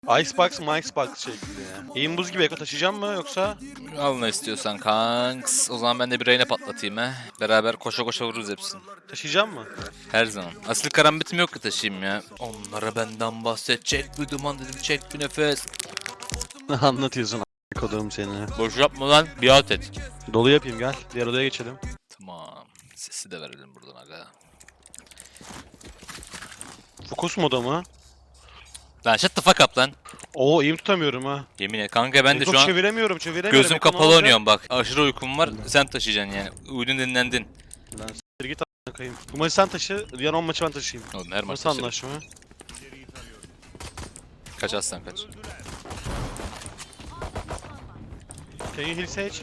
Icebox mı Icebox şeklinde ya. Eğim buz gibi Eko taşıyacağım mı yoksa? Al ne istiyorsan kanks. O zaman ben de bir reyne patlatayım he. Beraber koşa koşa vururuz hepsini. Taşıyacağım mı? Her zaman. Asil karambitim yok ki taşıyayım ya. Onlara benden bahsedecek bir duman dedim, çek bir nefes. Ne anlatıyorsun kodum seni? Boş yapma lan, biat et. Dolu yapayım gel. Diğer odaya geçelim. Tamam. Sesi de verelim buradan aga. Fokus moda mı? Lan shut the fuck up lan. Oo eğim tutamıyorum ha. Yemin et kanka, ben de Eko şu an çeviremiyorum. gözüm Eko, ne kapalı olacak? oynuyorum bak. Aşırı uykum var, sen taşıyacaksın yani. Uyudun, dinlendin. Lan s**tir git a**ına koyayım. Bu maçı sen taşı, diğer 10 maçı ben taşıyayım. Oğlum her maç Nasıl taşırım. anlaşma? Kaç aslan kaç. Can you heal Sage?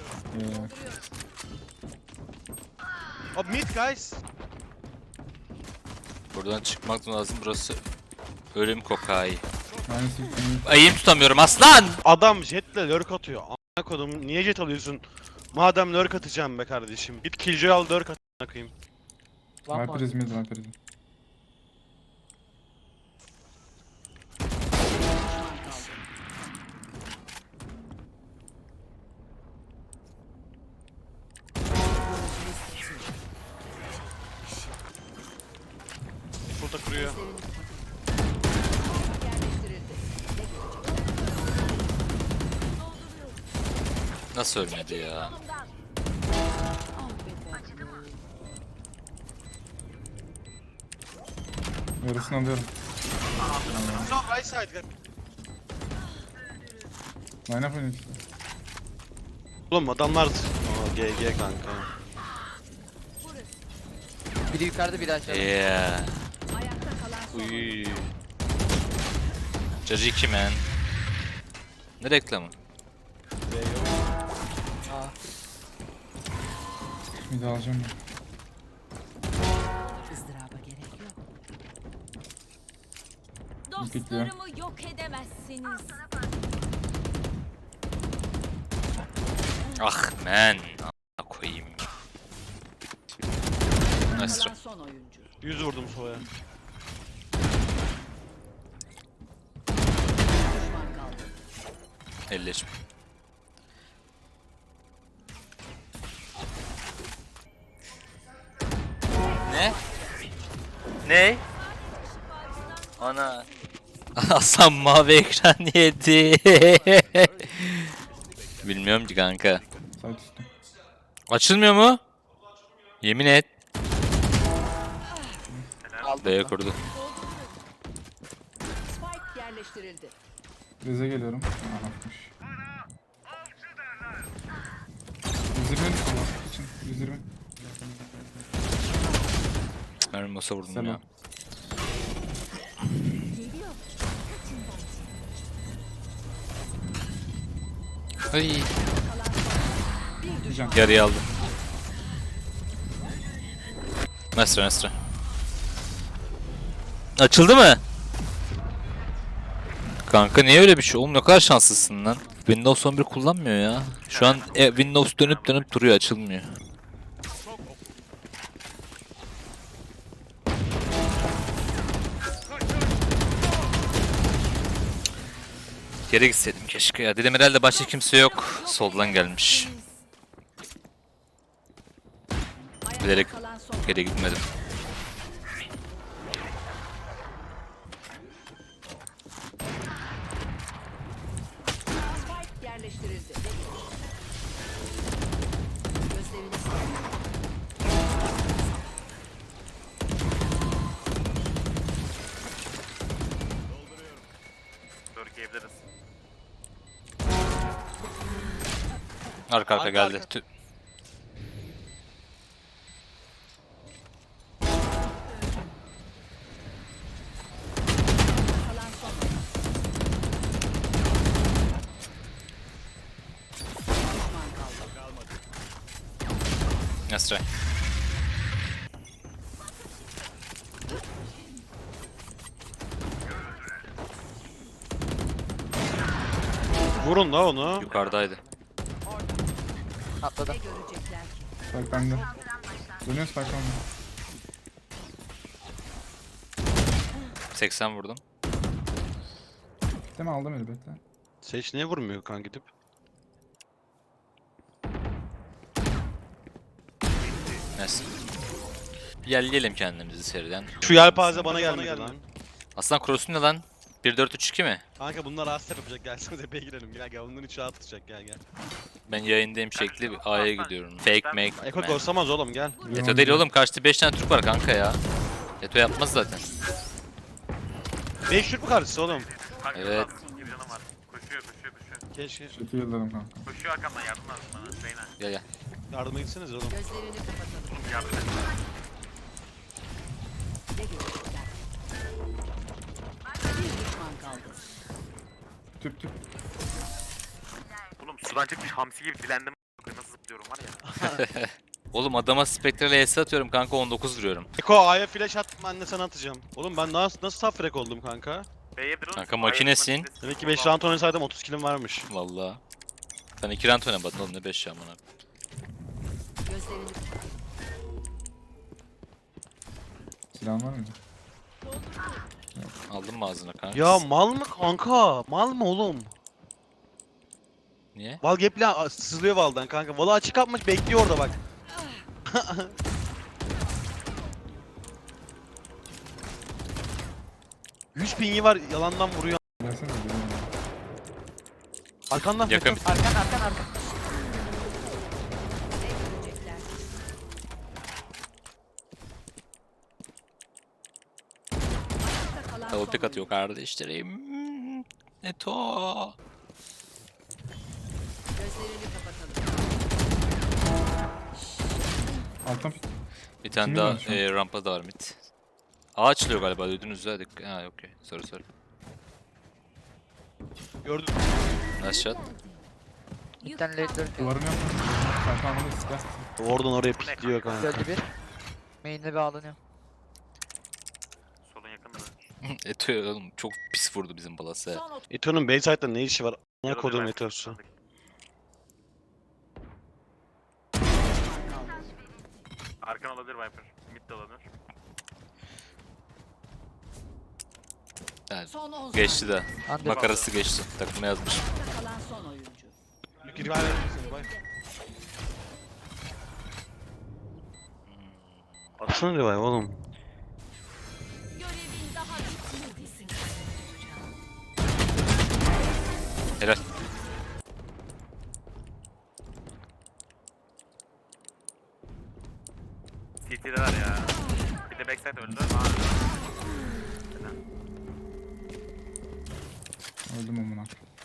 Abi mid guys. Buradan çıkmak lazım, burası ölüm kokayi. Nice. Ayım tutamıyorum aslan! Adam jetle lurk atıyor. A**ına kodum niye jet alıyorsun? Madem lurk atacağım be kardeşim. Git killjoy al lurk at a**ına koyayım. Viper is mid, Viper is mid. Burada kuruyor. Nasıl ölmedi ya? Yarısını alıyorum. No right side. Line up oynuyor işte. Oğlum adamlar... Aa, GG kanka. Biri yukarıda biri aşağıda. Yeah. Uy. Caciki man. Ne reklamı? Aa, Mid alacağım ben. ızdıraba gerek yok. Bekliyor. Dostlarımı yok edemezsiniz. Ah man. A**a koyayım. Nice try. Son oyuncu. 100 vurdum solaya. Düşman kaldı. Elleşme. Ne? Ne? Ana. Hasan mavi ekran yedi. Bilmiyorum ki kanka. Side üstü. Açılmıyor mu? Yemin et. aldım. B'ye kurdu. Spike yerleştirildi. Reze geliyorum. Aa, atmış. 120 için. 120. Mermi masa vurdum Selam. ya. Ay. Can. Yarıyı aldım. Nesra Nesra. Açıldı mı? Kanka niye öyle bir şey? Oğlum ne kadar şanslısın lan. Windows 11 kullanmıyor ya. Şu an Windows dönüp dönüp duruyor, açılmıyor. Geri gitseydim keşke ya. Dedim herhalde başka kimse yok. Soldan gelmiş. Bilerek Kalan son. geri gitmedim. Spike yerleştirildi. Gözlerini Arka Arka, geldi. arka. kalan son. Düşman kaldı. Nesra. Vurun da onu. Yukarıdaydı. Atladı. Görecekler ki. Spike bende. Dönüyor Spike bende. 80 vurdum. Bekleme aldım eli bekle. Seç niye vurmuyor kan gidip? Neyse. Yerleyelim kendimizi seriden. Şu yelpaze bana gelmedi lan. Aslan cross'un ne lan? 1-4-3-2 mi? Kanka bunlar asla yapacak. Gelsenize B'ye girelim. Gel gel. Bunların içi atlayacak. Gel gel. Ben yayındayım şekli bir A'ya gidiyorum. Fake make. Eko man. ghostlamaz oğlum gel. Eto değil oğlum, kaçtı 5 tane Türk var kanka ya. Eto yapmaz zaten. 5 Türk mü karşısı oğlum? Kanka, Evet. Bir canım var. Koşuyor. Keşke. Şekil yılladım kanka. Koşuyor arkamdan yardım lazım bana. Reyna. Gel gel. Yardıma gitseniz oğlum. Gözlerini kapatalım. Yardım et. Ne görecekler? Bir düşman kaldı. Tüp tüp. Oğlum sudan çıkmış hamsi gibi dilendim. Nasıl zıplıyorum var ya. Oğlum adama Spectre'le ES atıyorum kanka, 19 vuruyorum. Eko A'ya flash at, ben de sana atacağım. Oğlum ben nasıl top frag oldum kanka? B'ye bir oğlum. Kanka makinesin. Demek ki 5 round oynasaydım 30 killim varmış. Valla. Sen 2 round oynamadın oğlum, ne 5 ya bana. Gözlerini Silahın var mıydı? Aldın mı ağzına kanka? Ya mal mı kanka? Mal mı oğlum? Niye? Val gap'le sızlıyor Val'dan kanka. Val'ı açık atmış bekliyor orada bak. Yüz pingi var yalandan vuruyor. Gelsene de gelin. Arkandan Yakın Meto. bir Arkan. ne görecekler? Ayakta kalan double son pick atıyor oyuncu. kardeşlerim. Eto. Gözlerini kapatalım. Alttan Bir tane Kimin daha var şu an? rampa da var mid. A açılıyor galiba, duydunuz ya. Ha okey. Sorry. Gördüm. Nice shot. Bir tane late lurk. duvarını yapma. Kanka anladın silah. Oradan oraya pikliyor kanka. Öldü bir. Main'de bağlanıyor. Solun yakında. Eto oğlum çok pis vurdu bizim balası. Son ot- Eto'nun Bayside'da ne işi var? Ne Yarı kodum döner. Eto'su. Arkan olabilir Viper. Mid de olabilir. Yani Son 10 geçti de. Under. Makarası geçti. Takıma yazmış. Ayakta kalan son oyuncu. Gir ver seni bay. Atsana revive oğlum. Görevin daha bitmedi. Helal. CT'de var ya. Bir de backside öldü. Öldüm amına.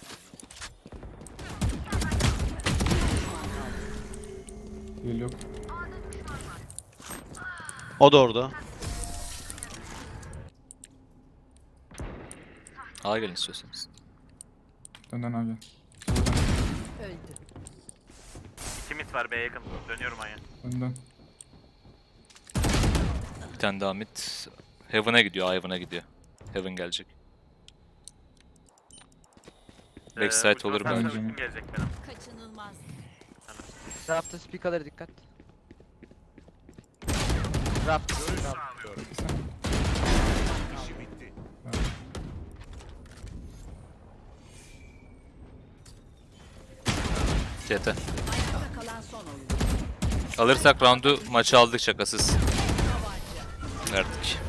Yıl yok. O da orada. A gelin istiyorsanız. Dönden abi. Öldü. 2 mid var B'ye yakın. Dönüyorum aya. Önden. Bir tane daha mid. Heaven'a gidiyor. Heaven'a gidiyor. Heaven gelecek. Backside olur bence. bence. Kim gelecek benim? Kaçınılmaz. Raptor speaker'ları dikkat. Raptor. Peki sen. CT. Ayakta kalan son oyuncu. Alırsak roundu, maçı aldık şakasız. Verdik.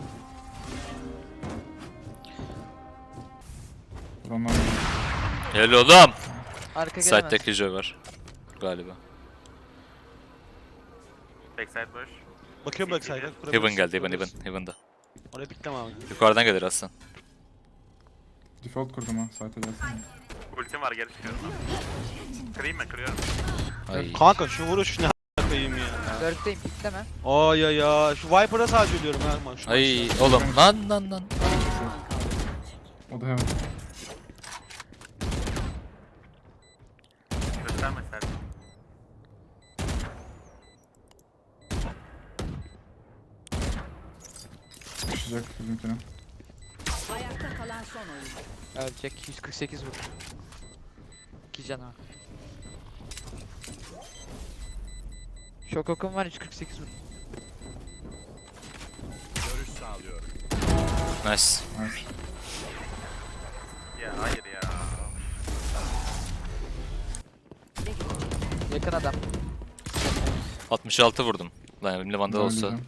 Vuranlar. Helal oğlum. Arka Side'de gelemez. Killjoy var. Galiba. Backside boş. Bakıyorum bak sayfa. Heaven geldi. Heaven'da. Oraya pikleme abi. Yukarıdan gelir aslan. Default kurdum ha. Site'e gelsene. Ultim var geri çıkıyorum. Kırayım mı? Kırıyorum. Ay. Kanka şu vuruş ne a**ayım ya. Lurk'teyim pikleme. Ay ya şu Viper'a sadece ölüyorum ha maç. Ay oğlum lan. O da hemen. Gösterme sen. Düşecek bizimkine. Ayakta kalan son oyuncu. Ölecek. 148 vur. 2 cana. Şok okum var 148 vur. Nice. Nice. ya. Hayır ya. Yakın adam. 66 vurdum. Lan elimde vandal olsa. Döneceğim.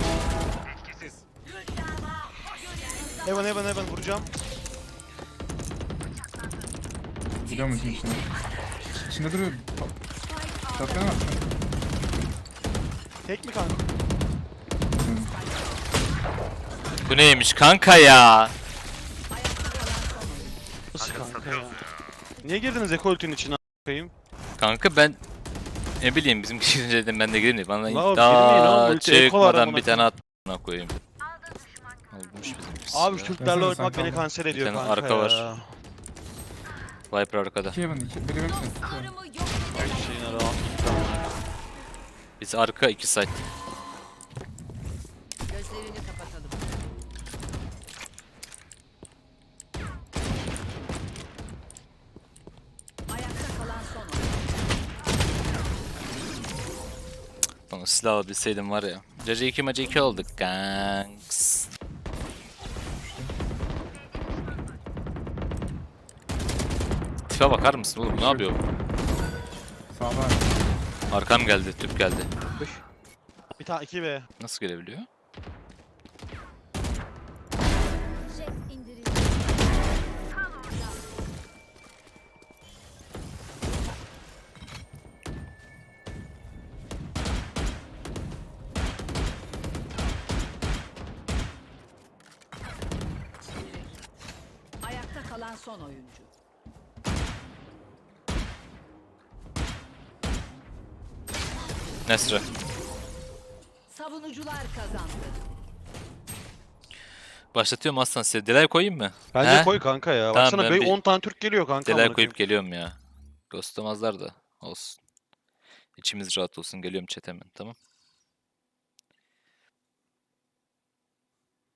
Heaven vuracağım. Gidiyor musun içine? İçinde duruyor. Şapkanı var. Tek mi kanka? Bu neymiş kanka ya? Nasıl Kanka kanka ya? satıyoruz ya. Niye girdiniz Eko ultinin içine a**ayım? Kanka ben ne bileyim bizim kişinin dedim ben de gireyim. Bana La oğlum, girmeyin daha oğlum, ulti eko var çıkmadan amına bir tane at koyayım. Olmuş bizim. Abi şu Türklerle Versene oynamak sen beni kanka. kanser ediyor tane kanka arka var. ya. Viper arkada. 2 Heaven, 2. Biri hepsi. Dostlarımı yok Ay edemem. şeyin ara. Biz arka 2 side. Gözlerini kapatalım. Ayakta kalan son oyuncu. Onu silah alabilseydim var ya. Cacı 2 maçı 2 olduk gangs. Tipe bakar mısın oğlum ne yapıyor? Sağda. Arkam geldi, tüp geldi. Bir tane 2B. Nasıl gelebiliyor? Ayakta kalan son oyuncu. Nesre. Savunucular kazandı. Başlatıyorum aslan size. Delay koyayım mı? Bence He? koy kanka ya. Tamam, Baksana ben böyle bir 10 tane Türk geliyor kanka. Delay amına koyup koyayım. geliyorum ya. Ghostlamazlar da olsun. İçimiz rahat olsun. Geliyorum chat hemen tamam.